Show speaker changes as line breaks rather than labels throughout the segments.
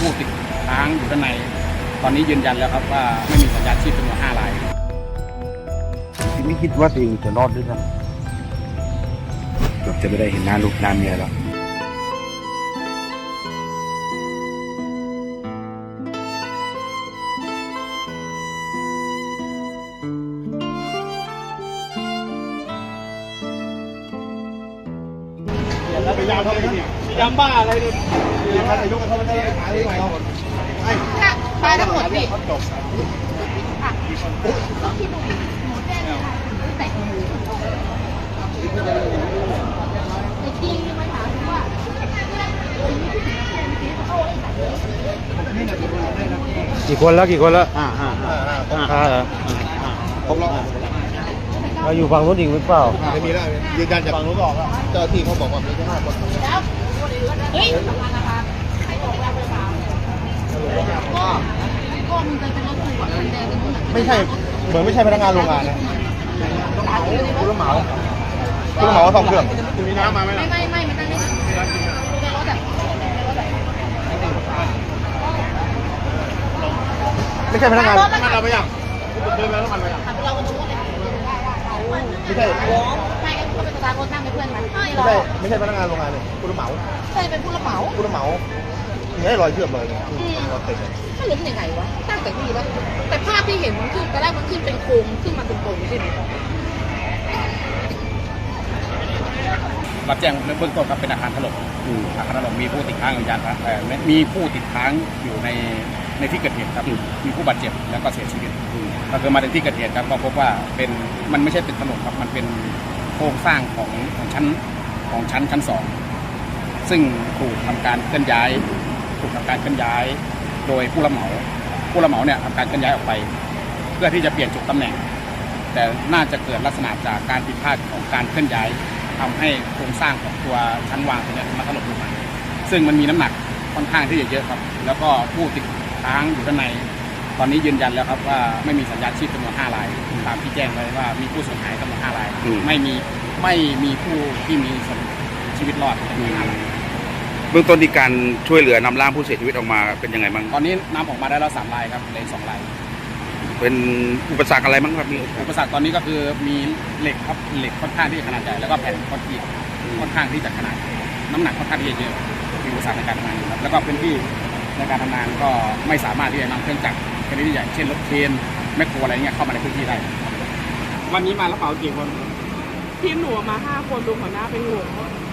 ผู้ติดค้างอยู่ด้านในตอนนี้ยืนยันแล้วครับว่าไม่มีสัญญาณชีพจำนวน5 ราย
ไม่คิดว่าตัวเองจะรอดด้วยซ้ำเกือบจะไม่ได้เห็นหน้าลูกหน้าเมียแล้ว
ยำบ้าอะไรเนี่ย
ไปทั้งหมดพี่
กี่คนแล้วเหรอครบแล้วเราอยู่ฝั่งนู้นอีกหรือเปล่า
ไม่มีแล้วยืนยันจากฝั่งนู้นบอกเจ้าที่เขาบอกว่ามีแค่5 คน
เฮ้ยก็มึงจะเป็นรถตู้อ่ะมันแดงเป็น
ไม่ใช่เหมือนไม่ใช่พนักงานโรงงานนะผู้รับเหมาซ่อมเครื่องมีน้ำมาไหมล่ะ
ไม่มันตั้งในรถแบบ
ไม่ใช่พนักงานเราไปยังเคยมาแล้วมันไปยัง
เราเป็นรถ
ไม่ใช่
ไม่ก็เป็นสตาร์ทรถนั่งเป็นเพื่อนมัน
ไม่ใช่พนักงานโรงงานเลยผู้รับเหมา
ใช่เป็นผู้รับเหมา
นี่ให้รอยเชื่อมเลยรอยติด
มันล้มยังไงวะตั้งแต่ที่แล้วแต่ภาพที่เห็นมันขึ้นตอนแรกมันขึ้นเป็นโครงขึ้นมาตรงๆใช่ไหม
รับแจ้งเบื้องต้นครับเป็นอาคารถล่มมีผู้ติดค้างมีผู้ติดค้างอยู่ในที่เกิดเหตุครับมีผู้บาดเจ็บแล้วก็เสียชีวิตก็คือมาถึงที่เกิดเหตุครับก็พบว่ามันไม่ใช่ตึกถล่มครับมันเป็นโครงสร้างของชั้น 2ซึ่งถูกทำการเคลื่อนย้ายโดยผู้รับเหมาเนี่ยทำการเคลื่อนย้ายออกไปเพื่อที่จะเปลี่ยนจุดตำแหน่งแต่น่าจะเกิดลักษณะจากการผิดพลาดของการเคลื่อนย้ายทำให้โครงสร้างของตัวชั้นวางตัวนี้มันถล่มลงมาซึ่งมันมีน้ำหนักค่อนข้างที่จะเยอะครับแล้วก็ผู้ติดค้างอยู่ด้านในตอนนี้ยืนยันแล้วครับว่าไม่มีสัญญาณชีพจำนวน5 รายตามที่แจ้งไว้ว่ามีผู้สูญหายจำนวน5 รายไม่มีผู้ที่มีชีวิตรอดจำนวน5 ราย
เบื้องต้นที่การช่วยเหลือนำร่างผู้เสียชีวิตออกมาเป็นยังไงบ้าง
ตอนนี้นำออกมาได้แล้ว3 รายครับเหลือ2 ราย
เป็นอุปสรรคอะไรบ้างครับมี
อุปสรรคตอนนี้ก็คือมีเหล็กครับเหล็กค่อนข้างที่จะขนาดใหญ่แล้วก็แผ่นคอนกรีตค่อนข้างที่จะขนาดน้ำหนักค่อนข้างที่จะเยอะมีอุปสรรคในการทำงานครับแล้วก็พื้นที่ในการทำงานก็ไม่สามารถที่จะนำเครื่องจักรชนิดใหญ่เช่นรถเครนแมคโครอะไรเงี้ยเข้ามาในพื้นที่ได้วันนี้มารับเหมากี่คน
ทีมหนูมา5 คนดูหัวหน้าเป็น6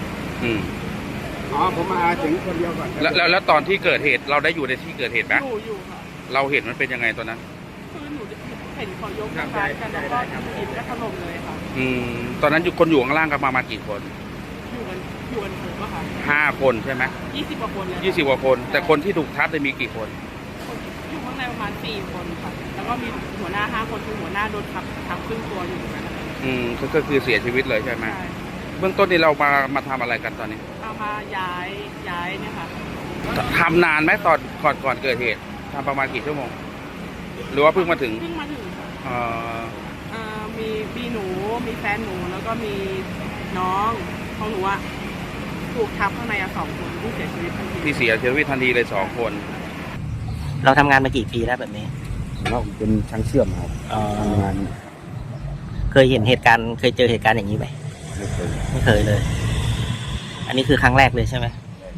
ผมมาถึงคนเดียวก่อน
แล้วตอนที่เกิดเหตุเราได้อยู่ในที่เกิดเหตุไหม
อยู่ค่ะ
เราเห็นมันเป็นยังไงตอนนั้น
คือหนูเห็นเขายกกันแล้วก็ดินก็ถล่มเลยค่ะ
ตอนนั้นคนอยู่ข้างล่างกันประมาณกี่คน
อยู่กันถึงป่ะคะ
5 คนใช่ไหม
20 กว่าคนเลย
20 กว่าคนแต่คนที่ถูกทับได้มีกี่คน
อยู่ข้างในประมาณ4 คนค่ะแล้วก็มีหัวหน้า5 คนคือหัวหน้าโดนทับครึ่งตัวอยู่เหมือนกัน
ก็คือเสียชีวิตเลยใช่ไหมเบื้องต้นนี่เรามาทำอะไรกันตอนนี้
เอามาย้ายเนี่ยค่ะ
ทำนานไหมก่อนเกิดเหตุทำประมาณกี่ชั่วโมงหรือว่าเพิ่งมาถึง
มีหนูมีแฟนหนูแล้วก็มีน้องของหนูอะถูกทับข้างใน2 คนที่เสียชีวิตทัน
ทีเลย2 คน
เราทำงานมากี่ปีแล้วแบบนี้
เราเป็นช่างเชื่อมครับทำงาน
เคยเห็นเหตุการณ์เคยเจอเหตุการณ์อย่างนี้ไหมไม่เคยเลยอันนี้คือครั้งแรกเลยใช่ไหม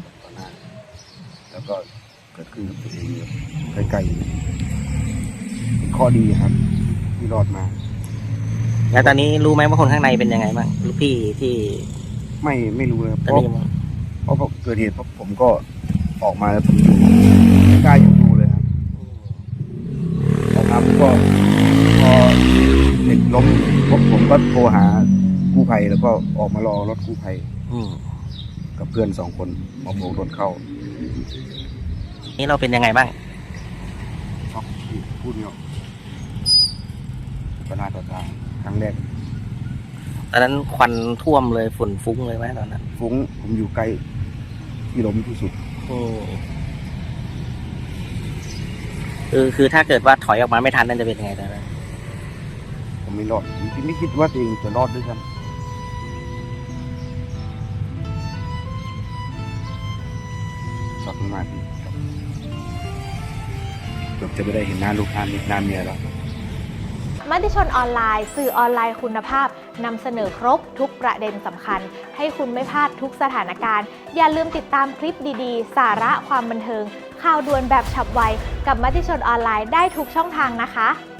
แล้วก็เกิดขึ้นกับตัวเองใกล้ๆข้อดีครับที่รอดมา
แล้วตอนนี้รู้ไหมว่าคนข้างในเป็นยังไงบ้างลูกพี่ที่
ไม่รู้เลยเพราะเกิดเหตุผมก็ออกมาแล้วผมอยู่ไม่กล้าอยู่ดูเลยครับนะครับก็พอเด็กล้มผมก็โทรหากู้ภัยแล้วก็ออกมารอรถกู้ภัยกับเพื่อน2 คนมาโผล่รถเข้า
นี่เราเป็นยังไงบ้าง
ช็อกพูดไม่ออกก็น่าต่อตาครั้งแรก
ตอนนั้นควันท่วมเลยฝุ่นฟุ้งเลยไหมตอนนั้น
ฟุ้งผมอยู่ใกล้ที่ล้มที่สุด
คือถ้าเกิดว่าถอยออกมาไม่ทันนั่นจะเป็นยังไงตอนนั้น
ผมไม่รอดผมไม่คิดว่าตัวเองจะรอดด้วยซ้ำช็อกมากเกือบจะไม่ได้เห็นหน้าลูกหน้าเมียแล้ว
มติชนออนไลน์สื่อออนไลน์คุณภาพนำเสนอครบทุกประเด็นสำคัญให้คุณไม่พลาดทุกสถานการณ์อย่าลืมติดตามคลิปดีๆสาระความบันเทิงข่าวด่วนแบบฉับไวกับมติชนออนไลน์ได้ทุกช่องทางนะคะ